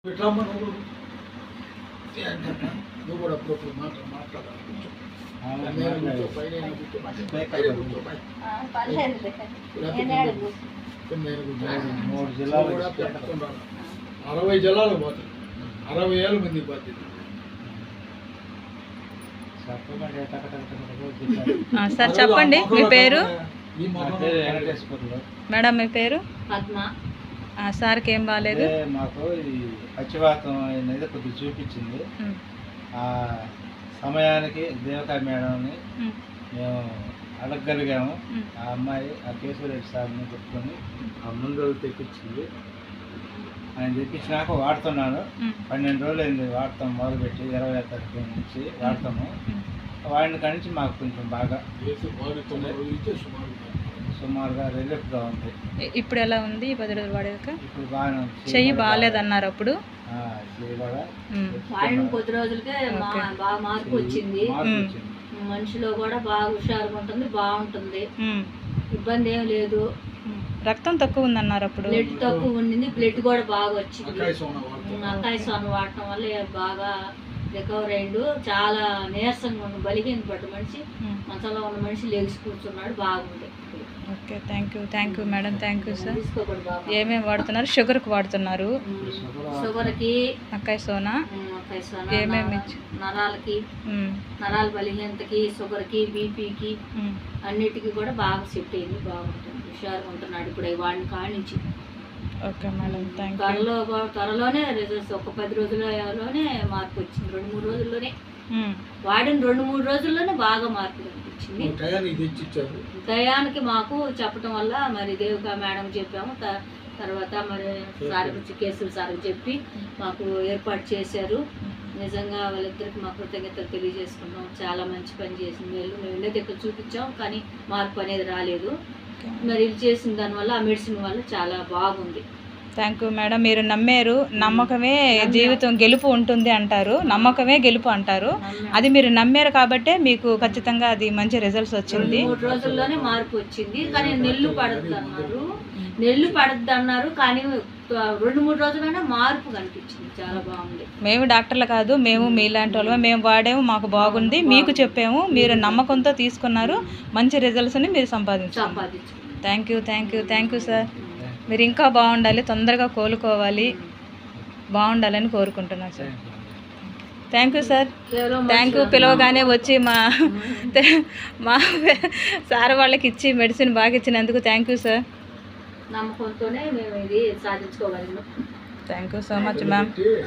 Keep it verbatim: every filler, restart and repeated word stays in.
ఎట్లమ్మ నువ్వు నువ్వు కూడా అప్పుడప్పుడు మాట మాట్లాడాలి మూడు జిల్లాలు కూడా పెట్టుకుంటాను. అరవై జిల్లాలు పోతాయి, అరవై ఏళ్ళ మంది బాధ్యత. సార్ చెప్పండి మీ పేరు? మేడం మీ పేరు? పద్మ. సార్కి ఏం బాగాలేదు? మాకు ఈ పచ్చివాతం అనేది కొద్దిగా చూపించింది. ఆ సమయానికి దేవకా మేడంని మేము అడగగలిగాము. ఆ అమ్మాయి ఆ కేశవరెడ్డి సార్ని పెట్టుకొని ఆ ముందు తెప్పించింది. ఆయన తెప్పించినాక వాడుతున్నాను. పన్నెండు రోజులు అయింది వాడతాం మొదలుపెట్టి, ఇరవై తారీఖు నుంచి వాడతాము. వాడిన కాడి నుంచి మాకు కొంచెం బాగా సుమారుగా రిలీఫ్గా ఉంది. ఇప్పుడు ఎలా ఉంది ఈ పది రోజులు వాడాక? ఇప్పుడు బాగానే ఉంది. చెయ్యి బాగాలేదన్నారు అప్పుడు. వాడిన కొద్ది రోజులకే బాగా మార్పు వచ్చింది. మనిషిలో కూడా బాగా హుషారుగా ఉంటుంది, బాగుంటుంది, ఇబ్బంది ఏం లేదు. రక్తం తక్కువ ఉందన్నారు అప్పుడు. బ్లడ్ తక్కువ ఉండింది, బ్లడ్ కూడా బాగా వచ్చింది. అక్కాయి సోన వాడటం వల్ల బాగా రికవర్ అయ్యిండు. చాలా నీరసంగా ఉన్న బలిగిన పట్టు మనిషి, మంచంలో ఉన్న మనిషి లేచి కూర్చున్నాడు, బాగుంది. Okay, thank you thank you madam, thank you sir. ఏమేమి వాడుతున్నారు? షుగర్కి వాడుతున్నారు, షుగర్కి, అక్కాయి సోనా, ఏమేమి నరాలకి, నరాల బలహీనతకి, షుగర్కి, బీపీకి అన్నిటికీ కూడా బాగా సెట్ అయింది, బాగుంటుంది, హుషారుగా ఉంటున్నాడు ఇప్పుడు వాడిని కానించి. Okay madam, thank you. త్వరలో త్వరలోనే రిజల్ట్స్ ఒక పది రోజులలోనే మార్పు వచ్చింది. రెండు మూడు రోజుల్లోనే వాడిన రెండు మూడు రోజుల్లోనే బాగా మార్పు కనిపించింది. దయానికి మాకు చెప్పడం వల్ల మరి దేవికా మేడం చెప్పాము. తర్వాత మరి సార్ కేసులు సార్ చెప్పి మాకు ఏర్పాటు చేశారు. నిజంగా వాళ్ళిద్దరికి మా కృతజ్ఞతలు తెలియజేసుకున్నాం. చాలా మంచి పని చేసింది వీళ్ళు. మేము వెళ్ళే దగ్గర చూపించాం కానీ మార్పు అనేది రాలేదు. మరి ఇది చేసిన దానివల్ల ఆ మెడిసిన్ వల్ల చాలా బాగుంది. Thank you madam. మీరు నమ్మారు, నమ్మకమే జీవితం గెలుపు ఉంటుంది అంటారు, నమ్మకమే గెలుపు అంటారు. అది మీరు నమ్మారు కాబట్టే మీకు ఖచ్చితంగా అది మంచి రిజల్ట్స్ వచ్చింది. మూడు రోజుల్లోనే మార్పు వచ్చింది. కానీ నెల్లు పడద్దు అన్నారు, నెల్లు పడద్దు అన్నారు కానీ రెండు మూడు రోజులైనా మార్పు కనిపించింది, చాలా బాగుంది. మేము డాక్టర్లు కాదు, మేము మీలాంటి వాళ్ళు, మేము వాడాము, మాకు బాగుంది, మీకు చెప్పాము, మీరు నమ్మకంతో తీసుకున్నారు, మంచి రిజల్ట్స్ని మీరు సంపాదించారు. సంపాదించు. Thank you thank you thank you sir. మీరు ఇంకా బాగుండాలి, తొందరగా కోలుకోవాలి, బాగుండాలని కోరుకుంటున్నాను sir. Thank you sir, thank you. పిలవగానే వచ్చి మా మా సార్ వాళ్ళకి ఇచ్చి మెడిసిన్ బాగా ఇచ్చినందుకు థ్యాంక్ యూ సార్. నమ్మకంతోనే మేము ఇది సాధించుకోగలిగినాం. Thank you so much ma'am.